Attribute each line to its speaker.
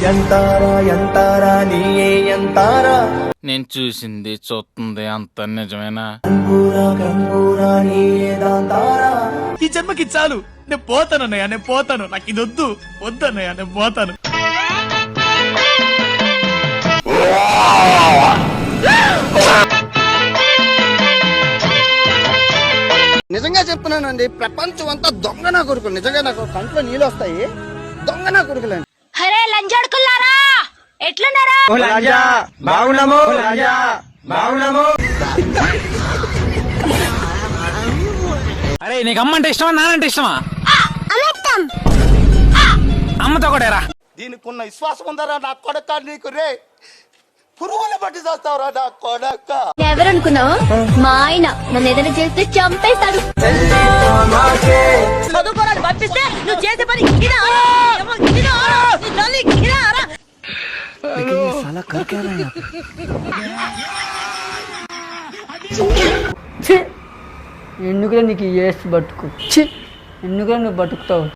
Speaker 1: ఎంతారా ఎంతారా నీయే ఎంతారా
Speaker 2: నేను చూసింది చూస్తుంది అంత నిజమేనా?
Speaker 1: కంబూరా కంబూరా నీయే దాంతారా.
Speaker 3: ఈ జన్మకి చాలు, నేను పోతాను అన్నయ్య, నేను పోతాను, నాకు ఇది వద్దు వద్దన్నయ్య, నేను పోతాను.
Speaker 4: నిజంగా చెప్తున్నానండి, ప్రపంచం అంతా దొంగ నా కొడుకులు. నిజంగా నాకు కంట్లో నీళ్ళు వస్తాయి. దొంగ నా కొడుకులండి.
Speaker 5: అరే లంజాడుకుల్లారా, ఎట్లున్నారా?
Speaker 2: అరే నీకు అమ్మంటే ఇష్టమా నానంటే ఇష్టమా? అమ్మతో కూడా
Speaker 4: దీనికి ఉన్న విశ్వాసం ఉందరా నా కొడక నీకు రే. పురుగులు పట్టి చేస్తావురా నా కొడక.
Speaker 5: ఎవరనుకున్నావు? మా ఆయన నన్ను ఏదైనా చేస్తే చంపేస్తాడు. చదువుకోరాడు పంపిస్తే నువ్వు చేసే పని
Speaker 6: ఎందుకులే నీకు ఏసి బతుకు, ఎందుకులే నువ్వు బతుకుతావు.